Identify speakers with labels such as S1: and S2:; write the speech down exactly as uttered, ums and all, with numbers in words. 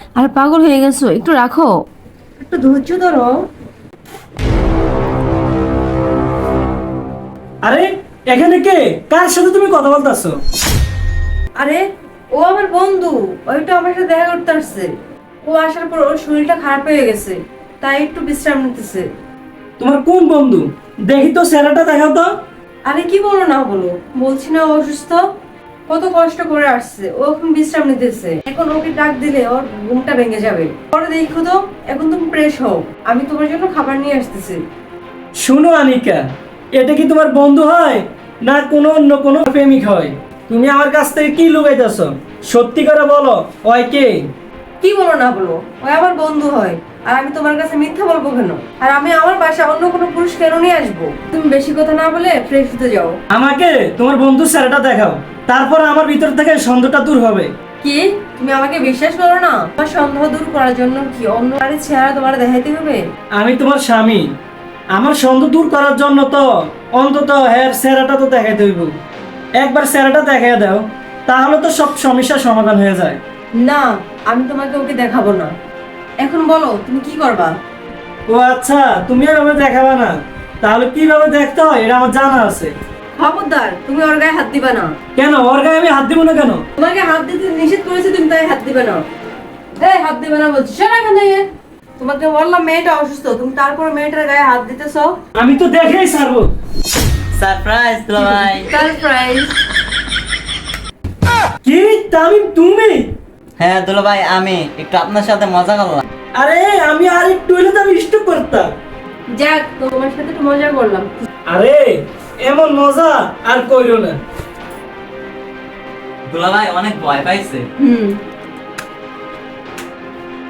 S1: আর পাগল হয়ে গেছো, একটু রাখো।
S2: একটু ধৈর্য ধরো।
S3: আরে এখানে কে? কার সাথে তুমি কথা বলতেছো?
S2: আরে ও আমার বন্ধু, ওইটা আমার সাথে দেখা করতে আসছে। ও আসার পর ওর শরীরটা খারাপ হয়ে গেছে, তাই একটু বিশ্রাম নিতেছে।
S3: তোমার কোন বন্ধু? দেখি তো, চেহারাটা দেখাও তো।
S2: আরে কি বলো না বলো, বলছি না ও অসুস্থ, কত কষ্ট করে আসছে, ও এখন বিশ্রাম নিতেছে। এখন ওকে ডাক দিলে ওর ঘুমটা ভেঙে যাবে। পরে দেখো তো, এখন তুমি ফ্রেশ হও, আমি তোমার জন্য খাবার নিয়ে আসতেছি।
S3: শুনো আনিকা, এটা কি তোমার বন্ধু হয় না কোনো অন্য কোনো প্রেমিক হয়? তুমি আমার কাছ থেকে কি লুকাইতেছো? সত্যি করে বলো, ওই কে?
S2: কি বলো না বলো, ও আমার বন্ধু হয়। আর আমি তোমার কাছে মিথ্যা বলবো কেন? আর আমি আমার বাসায় অন্য কোনো পুরুষ কেন নিয়ে আসবো? তুমি বেশি কথা না বলে ফ্রেশ হতে যাও।
S3: আমাকে তোমার বন্ধুর চেহারাটা দেখাও, তারপর আমার ভিতর থেকে সন্দেহটা দূর হবে।
S2: কি, তুমি আমাকে বিশ্বাস করো না? আমার সন্দেহ দূর করার জন্য কি অন্য নারীর চেহারা তোমার দেখাইতে হবে?
S3: আমি তোমার স্বামী, আমার সন্দেহ দূর করার জন্য তো অন্তত হ্যার চেহারাটা তো দেখাইতে হইব। একবার চেহারাটা দেখাই দাও, তাহলে তো সব সমস্যার সমাধান হয়ে যায়।
S2: না, আমি তোমাকে ওকে দেখাবো না। এখন বলো তুমি কি করবা?
S3: ও আচ্ছা, তুমি আর আমাকে দেখাবে না? তাহলে কিভাবে দেখতে হয় এটা আমার জানা আছে।
S2: খবরদার, তুমি ওর গায়ে হাত দিবা না।
S3: কেন ওর গায়ে আমি হাত দিব না কেন?
S2: তোমাকে হাত দিতে নিষেধ করেছে, তুমি তাই হাত দিবে না। এই হাত দিবে না বলছি, সর এখান থেকে। তোমাকে বললাম মেয়েটা অসুস্থ, তুমি তারপর মেয়েটার গায়ে হাত দিতেছো।
S3: আমি তো দেখেই ছাড়বো।
S4: সারপ্রাইজ দুলাভাই।
S2: সারপ্রাইজ।
S3: কি তামিম, তুমি?
S4: হ্যাঁ দুলাভাই, আমি একটু আপনার সাথে মজা করলাম।
S3: আরে আমি আর একটু হলে তো আমি স্টপ করতাম।
S2: যাক, তোমার সাথে একটু মজা করলাম।
S3: আরে এমন মজা আর কইরো না।
S4: দুলাভাই অনেক ভয় পাইছে।
S2: হুম